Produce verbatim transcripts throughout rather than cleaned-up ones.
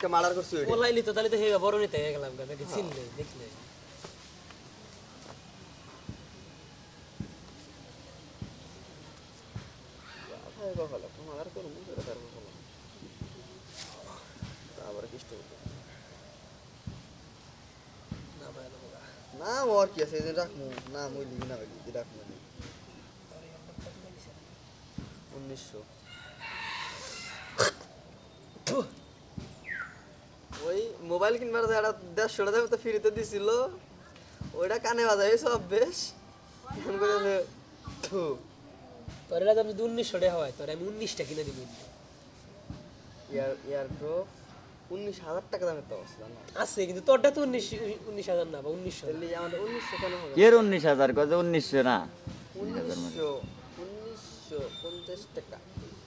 একটা মার্ডার করছি ওইটা ওলাইলি তো তাহলে তো হেগা বড় নিতে হয়ে গেলাম নাকি চিনলে দেখলে ভাই বাবা মার্ডার করব করে তারপর বলো আবার কিষ্ট না ভাই না না ওর কি আছে এই রাখমু না মই লিবি না ভাই রাখমু উনিশশো ওই মোবাইল কিনবার যে একটা দেড়শো টাকা তো ফ্রিতে দিছিল ওইটা কানে বাজাই সব বেশ ফোন করে থু তোর এলা আমি উনিশশো টাকা হয় তোর আমি উনিশটা কিনে দিব ইয়ার ইয়ার ড্রপ উনিশ হাজার টাকা দামের তো আছে না আছে কিন্তু তোরটা তো উনিশ উনিশ হাজার না বা উনিশশো তাহলে আমাদের উনিশশো কেন হবে এর উনিশ হাজার কত উনিশশো না উনিশশো উনিশশো পঞ্চাশ টাকা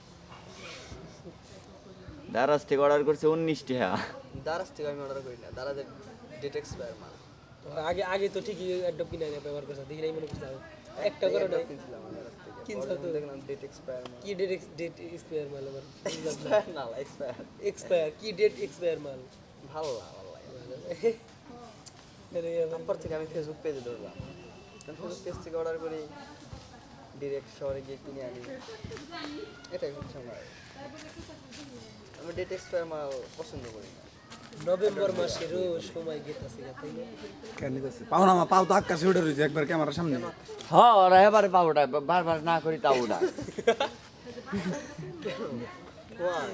দারাজ থেকে অর্ডার করছে উনিশ টাকা দারাজ থেকে আমি অর্ডার করি না দারাজের ডেট এক্সপায়ার মাল আগে আগে তো ঠিকই অ্যাডপ কিনে আনে ব্যবহার করছ দেখি নাই মনে করছ একটা করে নাই কিনছিলাম আমি দারাজ থেকে কিনছো তো দেখলাম ডেট এক্সপায়ার মাল কি ডেট ডেট এক্সপায়ার মাল আবার এক্সপায়ার না এক্সপায়ার এক্সপায়ার কি ডেট এক্সপায়ার মাল ভালো না ভালো লাগে তারপর থেকে আমি ফেসবুক পেজে ধরলাম ফেসবুক পেজ থেকে অর্ডার করি ডিরেক্ট শহরে গিয়ে কিনে আনি এটাই হচ্ছে আমার আমি ডেট এক্সপায়ার মাল পছন্দ করি না নভেম্বর মাসেরও সময় গেতাছে তাই না কেন দিতেছে পাও না পাও তো আকাশে উঠে রয়েছে একবার ক্যামেরার সামনে হ ওরা এবারে পাবোটা বারবার না করি তাওটা Why?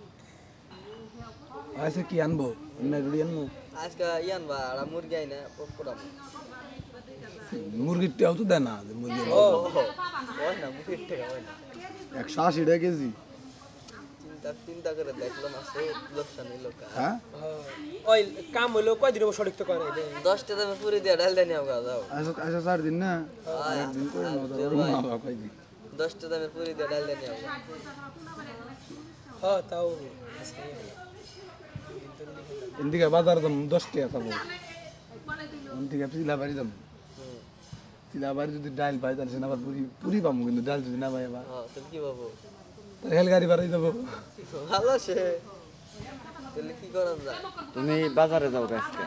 আচ্ছা কি আনবো না রুড়ি আনবো আজকে ইয়ান বা আর মুরগি আইনা পকড়াম মুরগির টেও তো দেয় না যে মুরগি ও ওই না মুরগির টাকা ওই না একশো আশি টাকা কেজি চিন্তা চিন্তা করে দেখলাম আছে লোকসান এই লোক হ্যাঁ ওই কাম হলো কয়দিন সঠিক তো করে নাই দশটা দামে পুরি দিয়ে ডাল দেনি আমগা যাও আচ্ছা আচ্ছা চার দিন না একদিন করে নাও তো মা বাবা কয়দিন দশটা দামে পুরি দিয়ে ডাল দেনি আমগা হ্যাঁ তাও এদিকে বাজার দাম দশ টাকা পাবো এদিকে চিলা বাড়ি দাম চিলা বাড়ি যদি ডাল পাই তাহলে সেনা আবার পুরি পুরি পাবো কিন্তু ডাল যদি না পাই আবার হ্যাঁ তুমি কি ভাবো তাহলে হেল গাড়ি বাড়াই দেবো ভালো সে তাহলে কি করা যায় তুমি বাজারে যাও আজকে